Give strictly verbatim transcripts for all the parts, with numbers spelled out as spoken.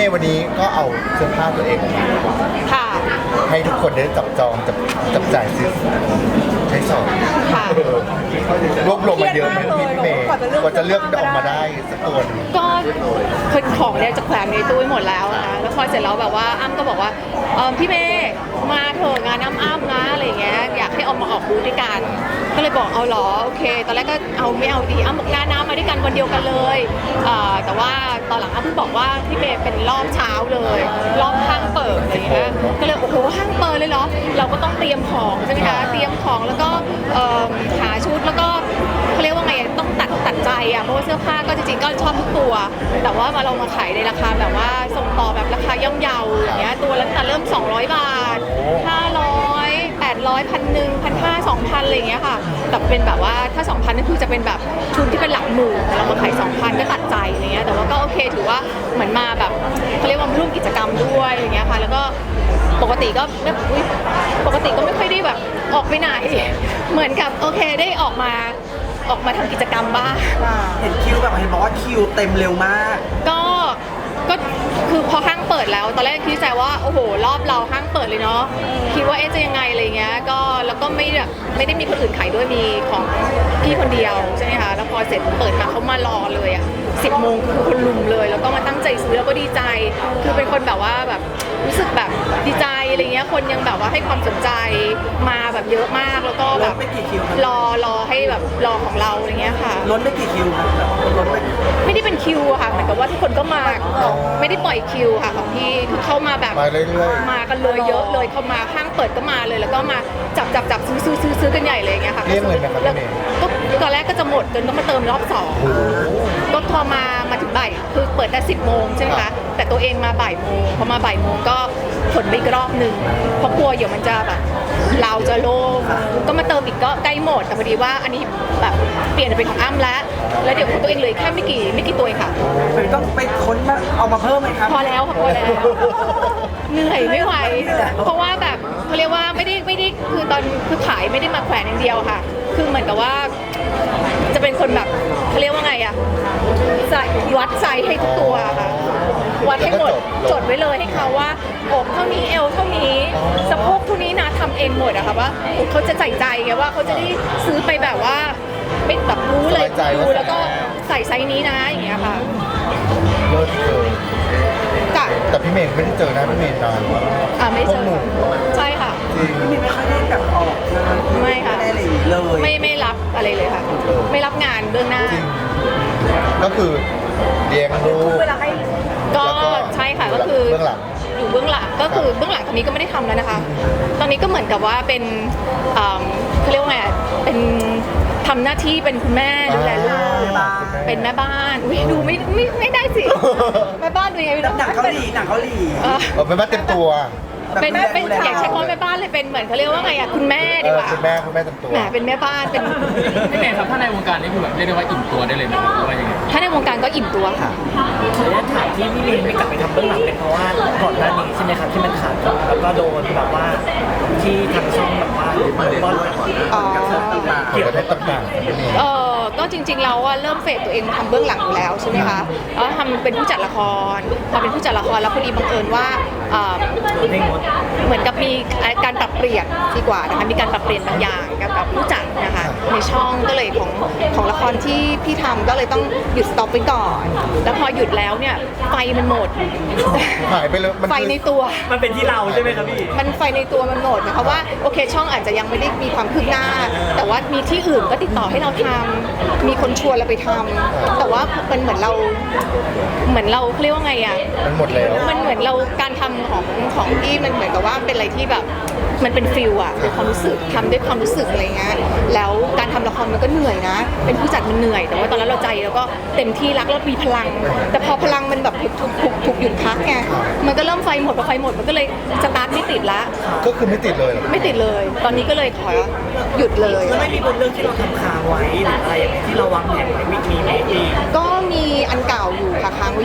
ย์วันนี้ก็เอาเสื้อผ้าตัวเองออกมาค่ะให้ทุกคนได้จับจองจับจับจ่ายซื้อใช้สอยค่ะรวบรวมมาเยอะไหมพี่เมย์กว่าจะเลือกออกมาได้สักตัวหนึ่งก็คือของเนี่ยจะแขวนในตู้ไว้หมดแล้วนะแล้วพอเสร็จแล้วแบบว่าอ้ำก็บอกว่าเออพี่เมย์มาเถอะงานอ้ำอ้ำนะอะไรอย่างเงี้ยอยากให้เอามาออกบูธด้วยกันก็เลยบอกเอาเหรอโอเค ตอนแรกก็เอาไม่เอาดีอ้ำบอกหน้าน้ำมาด้วยกันวันเดียวกันเลยเอ่อแต่ว่าตอนหลังอ้ำเพิ่งบอกว่าพี่เมย์เป็นรอบเช้าเลยรอบห้างเปิดอะไรอย่างเงี้ยก็เลยโอ้โหห้างเปิดเลยเหรอเราก็ต้องเตรียมของใช่ไหมคะเตรียมของแล้วก็เอ่อหาชุดแล้วก็เขาเรียกว่าไงต้องตัดตัดใจอ่ะเพราะว่าเสื้อผ้าก็จริงๆก็ชอบทุกตัว แต่ว่ามาเรามาขายในราคาแบบว่าส่งต่อแบบราคาย่อมเยาอย่างเงี้ยตัวละตั้งแต่เริ่มสองร้อยบาทห้าร้อยแปดร้อยพันหนึ่งพันห้าสองพันอะไรอย่างเงี้ยค่ะแต่เป็นแบบว่าถ้าสองพันนั่นคือจะเป็นแบบชุดที่เป็นหลักหมื่นแต่เรามาขายสองพันก็ตัดใจอะไรเงี้ยแต่ว่าก็โอเคถือว่าเหมือนมาแบบเขาเรียกว่าร่วมกิจกรรมด้วยอะไรเงี้ยค่ะแล้วก็ปกติก็ไม่อุ๊ยปกติก็ไม่ค่อยได้แบบออกไปไหนเหมือนกับโอเคได้ออกมาออกมาทำกิจกรรมบ้างเห็นคิวแบบเห็นบอกว่าคิวเต็มเร็วมากก็ก็คือพอห้างเปิดแล้วตอนแรกคิดใจว่าโอ้โหรอบเราห้างเปิดเลยเนาะคิดว่าเอ๊ะจะยังไงอะไรเงี้ยก็แล้วก็ไม่แบบไม่ได้มีคนอื่นขายด้วยมีของพี่คนเดียวใช่ไหมคะแล้วพอเสร็จเปิดมาเขามารอเลยอ่ะสิบโมงคือคนลุมเลยแล้วก็มาตั้งใจซื้อแล้วก็ดีใจคือเป็นคนแบบว่าแบบรู้สึกแบบดีใจอะไรเงี้ยคนยังแบบว่าให้ความสนใจมาแบบเยอะมากแล้วก็แบบล้นไปกี่คิวครับรอรอให้แบบรอของเราอะไรเงี้ยค่ะล้นไปกี่คิวครับล้นไปไม่ได้เป็นคิวอะค่ะเหมือนกับว่าทุกคนก็มาไม่ได้ปล่อยคิวค่ะของพี่คือเข้ามาแบบมาเรื่อยมากันเลยเยอะเลยเข้ามาห้างเปิดก็มาเลยแล้วก็มาจับจับจับซื้อซื้อซื้อซื้อกันใหญ่เลยอย่างเงี้ยค่ะเรียกเงินไหมครับแล้วพี่เมย์ก็ตอนแรกก็จะหมดจนต้องมาเติมรอบสองก็พอมามาถึงบ่ายคือเปิดแต่สิบโมงใช่ไหมคะแต่ตัวเองมาบ่ายโมงพอมาบ่ายโมงก็ผลไปอีกรอบหนึ่งเพราะกลัวเดี๋ยวมันจะแบบเราจะโล่งก็มาเติมอีกก็ใกล้หมดแต่พอดีว่าอันนี้แบบเปลี่ยนเป็นของอ้ำแล้วแล้วเดี๋ยวของตัวเองเหลยแค่ไม่กี่ไม่กี่ตัวเองค่ะไปต้องไปค้นมาเอามาเพิ่มไหมครับพอแล้วค่ะพอแล้วเหนื่อยไม่ไหว เพราะว่าแบบเขาเรียกว่าไม่ได้ไม่ได้คือตอนคือขายไม่ได้มาแขวนอย่างเดียวค่ะ คือเหมือนกับว่าจะเป็นคนแบบเขาเรียกว่าไงอะใส่วัดไซส์ให้ทุกตัวค่ะวัดให้หมดจดไว้เลยให้เขาว่าอกเท่านี้เอวเท่านี้สะโพกเท่านี้นะทำเองหมดอะค่ะว่าเขาจะใส่ใจไงว่าเขาจะได้ซื้อไปแบบว่าไม่แบบรู้เลยดูแล้วก็ใส่ไซส์นี้นะอย่างเงี้ยค่ะๆเลิศเลยจ้ะแต่พี่เมย์ไม่ได้เจอหน้าพี่เมย์นานมากอ่าไม่พวเจกอหนูใช่ค่ะจริงไม่ไม่ค่อยได้แบบออกงานไม่ค่ะไม่ได้อะไรอย่างนี้เลยไม่ไม่รับอะไรเลยค่ะ ไม่รับงานเบื้องหน้าจริงก็คือเลี้ยงลูกเวลาให้ก็แล้วก็ใช่ค่ะก็คือเบื้องหลังอยู่เบื้องหลังก็คือเบื้องหลังตอนนี้ก็ไม่ได้ทำแล้วนะคะ ตอนนี้ก็เหมือนกับว่าเป็นอ่าเขาเรียกว่าไงอ่ะเป็นทำหน้าที่เป็นคุณแม่ดูแลลูกเป็นแม่บ้านอุ้ยดูไม่ไม่ไม่ได้สิแม่บ้านดูยังไงไม่รู้หนังเกาหลีหนังเกาหลีเออเออเป็นบ้านเต็มตัวเป็นแบบเป็นดูแลอยากใช้คำว่าแม่บ้านเลยเป็นเหมือนเขาเรียกว่าไงอ่ะคุณแม่เอดีอกว่าคุณแม่คุณแม่เต็มตัวแหมเป็นแม่บ้านเป็นพี่เมย์ครับถ้าในวงการนี้คือแบบเรียกได้ว่าอิ่มตัวได้เลยไหมครับหรือว่ายังไงถ้าในวงการก็อิ่มตัวค่ะระยะถามที่พี่ลินไม่กลับไปทำเบื้องหลังเป็นเพราะว่าก่อนหน้านี้ใช่ไหมครับที่มันขาดทุนแล้วก็โดนแบบว่าที่ทางช่องแบบว่าบอลอ๋อเกี่ยวกับต่างๆพี่เมย์เออก็จริงๆแล้วว่าเริ่มเฟดตัวเองทำเบื้องหลังอยู่แล้วใช่ไหมคะแล้วทำเป็นผู้จัดละครพอเป็นผู้จัดละครแล้วพอดีบังเอิญว่าเอ่อไม่งดเหมือนกับมีการปรับเปลี่ยนดีกว่านะคะมีการปรับเปลี่ยนบางอย่างกับกับผู้จัดนะคะในช่องก็เลยของของละครที่พี่ทำก็เลยต้องหยุดสต็อปไปก่อน แล้วพอหยุดแล้วเนี่ยไฟมันหมดหายไปเลยมันไฟคือในตัวมันเป็นที่เราใช่ไหมครับพี่มันไฟในตัวมันหมดนะคะว่าโอเคช่องอาจจะยังไม่ได้มีความคืบหน้า แต่ว่ามีที่อื่นก็ติดต่อให้เราทำมีคนชวนเราไปทำแต่ว่ามันเหมือนเราเหมือนเราเขาเรียกว่าไงอ่ะมันหมดแล้วมันเหมือนเราการทำของของที่มันเหมือนกับว่าเป็นอะไรที่แบบมันเป็นฟิลอะเป็นความรู้สึกทำด้วยความรู้สึกอะไรเงี้ยแล้วการทำละครมันก็เหนื่อยนะ เป็นผู้จัดมันเหนื่อย แต่ว่าตอนนั้นเราใจแล้วก็เต็มที่รักแล้วมีพลัง แต่พอพลังมันแบบถูกถูกถูกถูกหยุดพักไงมันก็เริ่มไฟหมดพอไฟหมดมันก็เลยสตาร์ทไม่ติดละก็คือไม่ติดเลยเหรอไม่ติดเลย ตอนนี้ก็เลยขอหยุดเลยแล้วไม่มีบนเรื่องที่เราทำค้างไว้หรืออะไรอย่างเงี้ยที่เราวางแผนไว้มีมีไหมพี่ก็มีอันเก่าอยู่ค่ะค้างไว้อยู่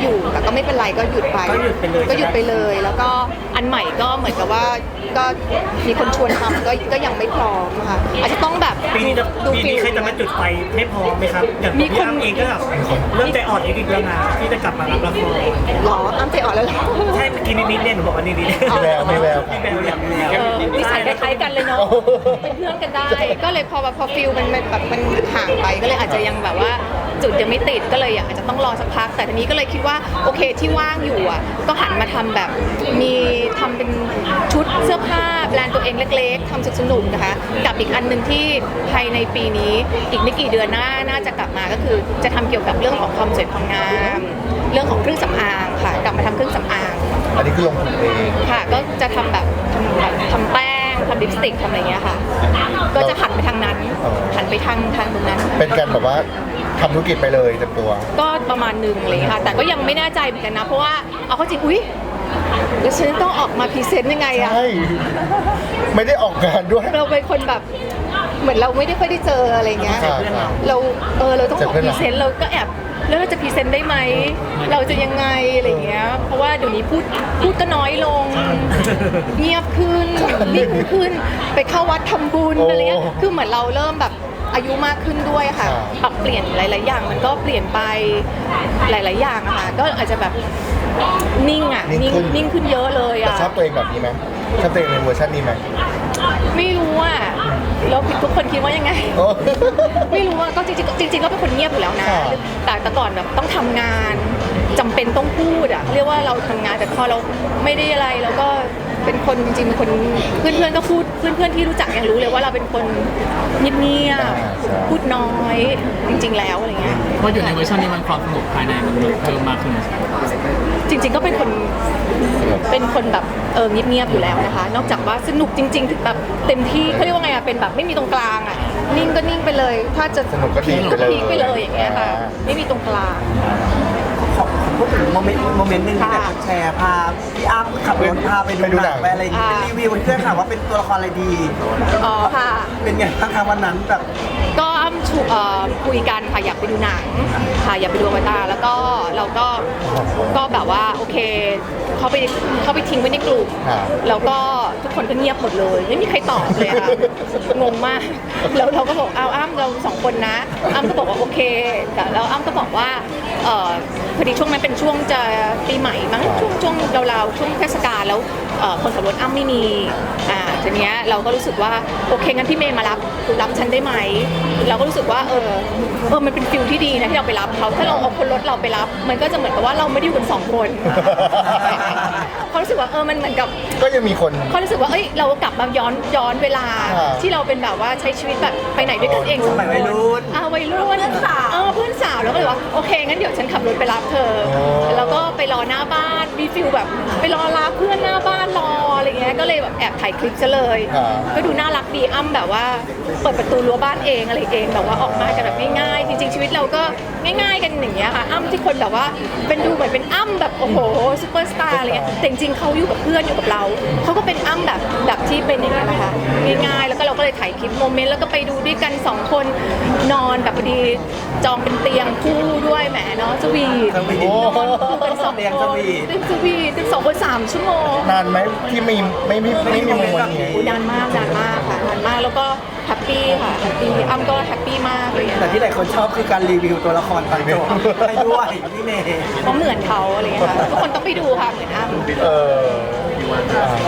อยู่แต่ก็ไม่เป็นไรก็หยุดไปก็หยุดไปเลยก็หยุดไปเลย แล้วก็อันใหม่ก็เหมือนกับว่าก็มีคนชวนทำก็ก็ยังไม่พร้อมค่ะอาจจะต้องแบบปีนี้จะดูปีฟินี้ลใครจะมาจุดไฟให้พร้อมไหมครับอย่างมีพี่คนอ้ำเองก็แบบเริ่มใจอ่อนนิดๆแล้วนะที่จะกลับมารับละครหรออ้ำใจอ่อนแล้วเหรอใช่เมื่อกี้นิดๆเนี่ยหนูบอกว่านิดๆมีแววมีแววมีแววอย่างเดียวเออนิสัยคล้ายๆกันเลยเนาะเป็นเพื่อนกันได้ ก็เลยพอแบบพอฟิลมันมันแบบมันห่างไปก็เลยอาจจะยังแบบว่าจุดยังไม่ติดก็เลยอาจจะต้องรอสักพัก แต่ทีนี้ก็เลยคิดว่าโอเคที่ว่างอยู่อ่ะก็หันมาทำแบบมีทำเป็นชุดเสื้อผ้าแบรนด์ตัวเองเล็กๆทำสนุกๆนะคะกับอีกอันหนึ่งที่ภายในปีนี้อีกไม่กี่เดือนหน้าน่าจะกลับมาก็คือจะทำเกี่ยวกับเรื่องของความสวยความงามเรื่องของเครื่องสำอางค่ะกลับมาทำเครื่องสำอางอันนี้คือลงทุนเองค่ะก็จะทำแบบทำแบบทำแป้งทำลิปสติกทำอะไรเงี้ยค่ะ ก็จะหันไปทางนั้น หันไปทางทางตรงนั้นเป็นการแบบว่าทำธุรกิจไปเลยเต็มตัวก็ประมาณหนึงอะไรเลยค่ะ แต่ก็ยังไม่แน่ใจเหมือนกันนะ เพราะว่าเอาเข้าจริงอุ้ยแล้วฉันต้องออกมาพรีเซนต์ยังไงอะใช่ ไม่ได้ออกงานด้วยเราเป็นคนแบบเหมือนเราไม่ได้ค่อยได้เจออะไรเงี้ยใช่ใช่เราเออเราต้องออกเจอเพื่อนพเรารีเซนต์เราก็แอบแล้วเราจะพรีเซนต์ได้ไหมเราจะยังไงอะไรเงี้ยเพราะว่าเดี๋ยวนี้พูดพูดก็น้อยลง เงียบขึ้นนิ่งขึ้นไปเข้าวัดทำบุญโอ้อะไรเงี้ยคือเหมือนเราเริ่มแบบอายุมากขึ้นด้วยค่ะครับปรับเปลี่ยนหลาย ๆ อย่างมันก็เปลี่ยนไปหลาย ๆ อย่างอะค่ะก็อาจจะแบบนิ่งอะนิ่งขึ้นนิ่งขึ้นเยอะเลยแต่อะชอบตัวเองแบบนี้ไหมชอบตัวเองในเวอร์ชันนี้ไหมไม่รู้อะแล้วทุกคนคิดว่ายังไงโอ้ไม่รู้ว่าก็จริงๆจริงๆก็เป็นคนเงียบอยู่แล้วนะค่ะแต่แต่ก่อนแบบต้องทำงานจำเป็นต้องพูดอะเรียกว่าเราทำงานแต่พอเราไม่ได้อะไรเราก็เป็นคนจริงๆเป็นคนเพื่อนๆก็พูดเพื่อนๆที่รู้จักยังรู้เลยว่าเราเป็นคนเงียบๆพูดน้อยจริง ๆ แล้วอะไรเงี้ยเพราะอยู่ในเวอร์ชันนี้มันความสนุกภายในมันเพิ่มมากขึ้นจริง ๆ ก็เป็นคนเป็นคนแบบเออเงียบๆอยู่แล้วนะคะ นอกจากว่าสนุกจริง ๆ ถึงแบบเต็มที่เขาเรียกว่าไงอะเป็นแบบไม่มีตรงกลางอะนิ่งก็นิ่งไปเลย ถ้าจะสนุกก็ดีพีคก็พีคไปเลยอย่างเงี้ยค่ะอ่าไม่มีตรงกลางขอพูดถึงโมเมนต์โมเมนต์หนึ่งที่ค่ะแบบแชร์พาพี่อ้ำขับรถพาไปไปดูดูหหนันังงไปอะไรอย่างเงี้ยอ่าเป็นรีวิวเพื่อนถามว่าเป็นตัวละครอะไรดีอ๋อค่ะเป็นไงบ้างคะวันนั้นแบบก็อ้ำชูเอ่อคุยกันค่ะอยากไปดูหนังค่ะอยากไปดูอวตารแล้วก็เราก็ก็แบบว่าโอเคเขาไปเขาไปทิ้งไว้ในกลุ่มครับแล้วก็ทุกคนก็เงียบหมดเลย ไม่มีใครตอบเลยค่ะงงมากแล้วเราก็บอกเอาอ้ำเราสองคนนะอ้ำก็บอกว่าโอเคแต่แล้วอ้ำก็บอกว่าเอ่อพอดีช่วงนั้นเป็นช่วงจะปีใหม่มั้งช่วงช่วงเราๆช่วงเทศกาลแล้วเอ่อคนขับรถอ้ำไม่มีอ่าทีเนี้ยเราก็รู้สึกว่าโอเคงั้นพี่เมย์มารับรับฉันได้ไหมเราก็รู้สึกว่าเออเออมันเป็นฟิลที่ดีนะที่เราไปรับเขาถ้าเราเอาคนรถเราไปรับ มันก็จะเหมือนกับว่าเราไม่ได้อยู่กันสองคน เขารู้สึกว่าเออมันเหมือนกับก็ยังมีคนเขารู้สึกว่าเอ้ยเรากลับมาย้อนย้อนเวลาอ่าที่เราเป็นแบบว่าใช้ชีวิตแบบไปไหนด้วยกันเองสองสมัยควัยนรุ่นอ่าวัยรุ่นเพื่อนสาวเออเพื่อนสาวแล้วก็เลยว่าโอเคงั้นเดี๋ยวฉันขับรถไปรับเธอโอ้แล้วก็ไปรอหน้าบ้านมีฟิลแบบไปรอรับเพื่อนหน้าบ้านรออะไรเงี้ยก็เลยแบบแอบถ่ายคลิปซะเลยอ่าก็ดูน่ารักดีอ้ำแบบว่าเปิดประตูรั้วบ้านเองอะไรเองแบบว่าออกมากันแบบง่ายๆจริงๆชีวิตเราก็ง่ายๆกันอย่างเงี้ยค่ะอ้ำที่คนแบบว่าเป็นดูเหมือนเป็นอ้ำแบบโอ้โหซูเปอร์สตาร์อะไรเงี้ยแต่จริงๆเขาอยู่กับเพื่อนอยู่กับเราเขาก็เป็นอ้ำแบบแบบที่เป็นอย่างเงี้ยนะคะง่ายๆแล้วก็เราก็เลยถ่ายคลิปโมเมนต์แล้วก็ไปดูด้วยกันสองคนนอนแบบพอดีจองเป็นเตียงคู่ด้วยแหมเนาะสวีทสวีทนอนคู่กันสองเตียงคสนวีทเตียงสวีทเตียงสองคนสามชั่วโมงนานไหมที่มีไม่ไม่ไม่มีโมเมนต์นี้โอ้นานมากนานมากค่ะนานมากแล้วก็แฮปปี้ค่ะแฮปปี้อ้ำก็แฮปปี้มากเลยอะแต่ที่หลายคนชอบคือการรีวิวตัวละครตอนจบให้ด้วยพี่เมย์เพราะเหมือนเขาอะไรอย่างเงี้ยค่ะทุกคนต้องไปดูค่ะเหมือนอ้ำเอออ่า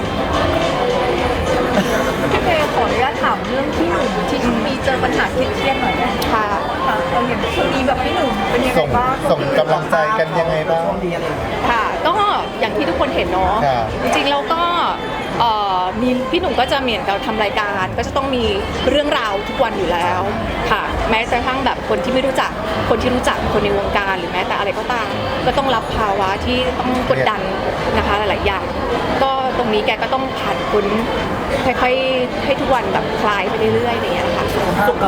พี่เมย์ขออนุญาตถามเรื่องพี่หนุ่มที่มีเจอปัญหาเครียดๆหน่อยได้ไหมค่ะคะเราเห็นช่วงนี้แบบพี่หนุ่มเป็นยังไงส่งบ้างส่งกำลังใจกันยังไงบ้างช่วงนี้อะไรอย่างเงี้ยค่ะก็อย่างที่ทุกคนเห็นเนาะครับจริงๆแล้วก็เอ่อมีพี่หนุ่มก็จะเหมือนกับทำรายการ ก็จะต้องมีเรื่องราวทุกวันอยู่แล้วค่ะ แม้กระทั่งแบบคนที่ไม่รู้จักคนที่รู้จักคนในวงการหรือแม้แต่อะไรก็ตามก็ต้องรับภาวะที่ต้องกดดันนะคะหลายๆอย่าง ก็ตรงนี้แกก็ต้องผ่านพ้นค่อยๆให้ทุกวันแบบคลายไปเรื่อยๆอย่างเงี้ยค่ะ